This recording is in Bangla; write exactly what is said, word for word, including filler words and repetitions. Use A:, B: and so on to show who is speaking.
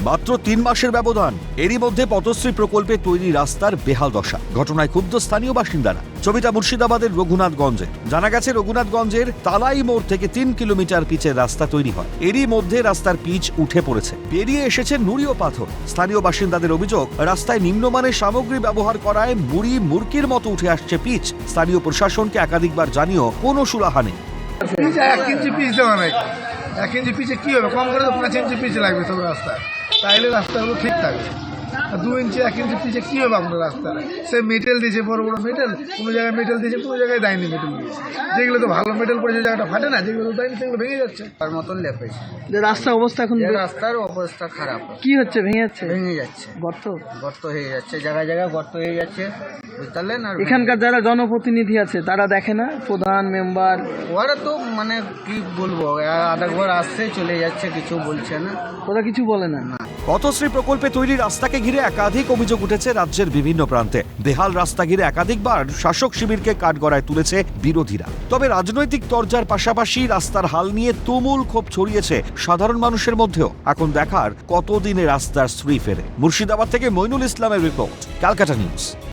A: মাত্র তিন মাসের ব্যবধান, এরই মধ্যে পথশ্রী প্রকল্পে তৈরি রাস্তার বেহাল দশা। ঘটনায় ক্ষুব্ধ স্থানীয় বাসিন্দারা। ছবিটা মুর্শিদাবাদের রঘুনাথগঞ্জে। জানা গেছে রঘুনাথগঞ্জের তালাই মোড় থেকে তিন কিলোমিটার পিচের রাস্তা তৈরি হয়। এরই মধ্যে রাস্তার পিচ উঠে পড়েছে, বেরিয়ে এসেছে নুড়ি ও পাথর। স্থানীয় বাসিন্দাদের অভিযোগ, রাস্তায় নিম্নমানের সামগ্রী ব্যবহার করায় মুড়ি মুরকির মতো উঠে আসছে পিচ। স্থানীয় প্রশাসনকে একাধিকবার জানিয়েও কোনো সুরাহা নেই।
B: এক ইঞ্চি পিচ দেওয়া নাই। এক ইঞ্চি পিচে কি হবে? কম করে তো পাঁচ ইঞ্চি পিচ লাগবে সব রাস্তায়, তাইলে রাস্তাগুলো ঠিক থাকবে। আর দু ইঞ্চি এক ইঞ্চি পিচে কি হবে আপনার রাস্তায়? সে মেটেল দিয়েছে, বড় বড় মেটেল, কোনো জায়গায় মেটেল দিয়েছে, কোনো জায়গায় দেয়নি মেটেল দিয়েছে। যেগুলো তো ভালো মেটেল পড়েছে, জায়গাটা ফাটে না, যেগুলো দেয়নি সেগুলো ভেঙে যাচ্ছে।
C: তার মতন লেপেছে।
D: যে রাস্তার অবস্থা এখন
C: যে রাস্তার অবস্থা খারাপ,
D: কি হচ্ছে? ভেঙে যাচ্ছে,
C: ভেঙে যাচ্ছে,
D: গর্ত
C: গর্ত হয়ে যাচ্ছে, জায়গায় জায়গায় গর্ত হয়ে যাচ্ছে, বুঝতে পারলেন? আর
D: এখানকার যারা জনপ্রতিনিধি আছে তারা দেখে না, প্রধান মেম্বার
C: ওরা তো মানে কি বলবো, আধাঘর আসছে চলে যাচ্ছে, কিছু বলছে না,
D: ওরা কিছু বলে না।
A: পথশ্রী প্রকল্পে তৈরি রাস্তাকে ঘিরে একাধিক অভিযোগ উঠেছে রাজ্যের বিভিন্ন প্রান্তে। বেহাল রাস্তা ঘিরে একাধিকবার শাসক শিবিরকে কাঠগড়ায় তুলেছে বিরোধীরা। তবে রাজনৈতিক তরজার পাশাপাশি রাস্তার হাল নিয়ে তুমুল ক্ষোভ ছড়িয়েছে সাধারণ মানুষের মধ্যেও। এখন দেখার কতদিনে রাস্তার শ্রী ফেরে। মুর্শিদাবাদ থেকে মইনুল ইসলামের রিপোর্ট, ক্যালকাটা নিউজ।